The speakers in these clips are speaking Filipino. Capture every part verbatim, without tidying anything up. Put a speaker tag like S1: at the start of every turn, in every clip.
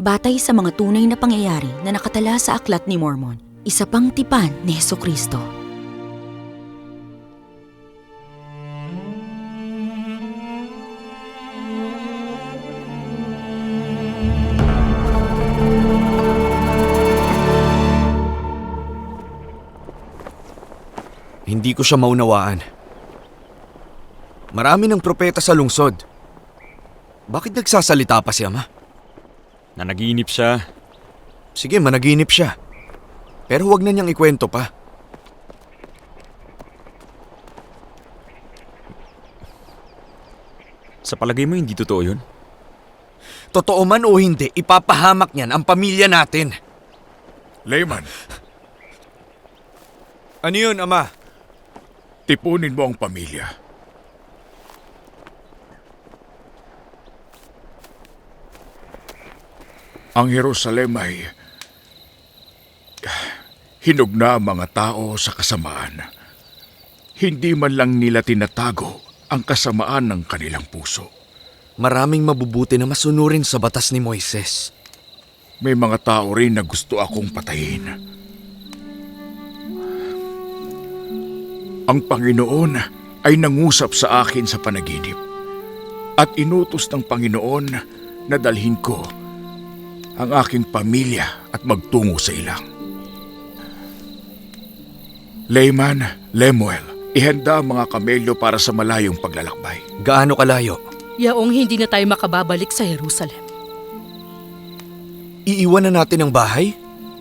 S1: Batay sa mga tunay na pangyayari na nakatala sa Aklat ni Mormon, isa pang tipan ni Hesukristo.
S2: Hindi ko siya maunawaan. Marami ng propeta sa lungsod. Bakit nagsasalita pa si Ama?
S3: Nanaginip siya.
S2: Sige, managinip siya. Pero huwag na niyang ikwento pa.
S3: Sa palagay mo hindi totoo yun?
S2: Totoo man o hindi, ipapahamak niyan ang pamilya natin.
S4: Layman,
S2: Ano yun, Ama?
S4: tipunin mo ang pamilya. Ang Jerusalem ay hinog na ang mga tao sa kasamaan. Hindi man lang nila tinatago ang kasamaan ng kanilang puso.
S2: Maraming mabubuti na masunurin sa batas ni Moises.
S4: May mga tao rin na gusto akong patayin. Ang Panginoon ay nangusap sa akin sa panaginip at inutos ng Panginoon na dalhin ko ang aking pamilya at magtungo sa ilang. Layman, Lemuel, ihanda ang mga kamelyo para sa malayong paglalakbay.
S2: Gaano kalayo?
S5: Yaong hindi na tayo makababalik sa Jerusalem.
S2: Iiwan na natin ang bahay?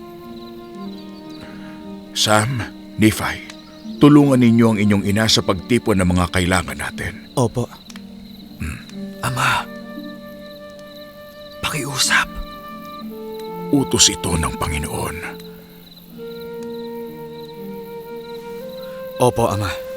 S4: Sam, Nephi, tulungan ninyo ang inyong ina sa pagtipon ng mga kailangan natin.
S2: Opo. Ama, pakiusap.
S4: Utos ito ng Panginoon.
S2: Opo, Ama.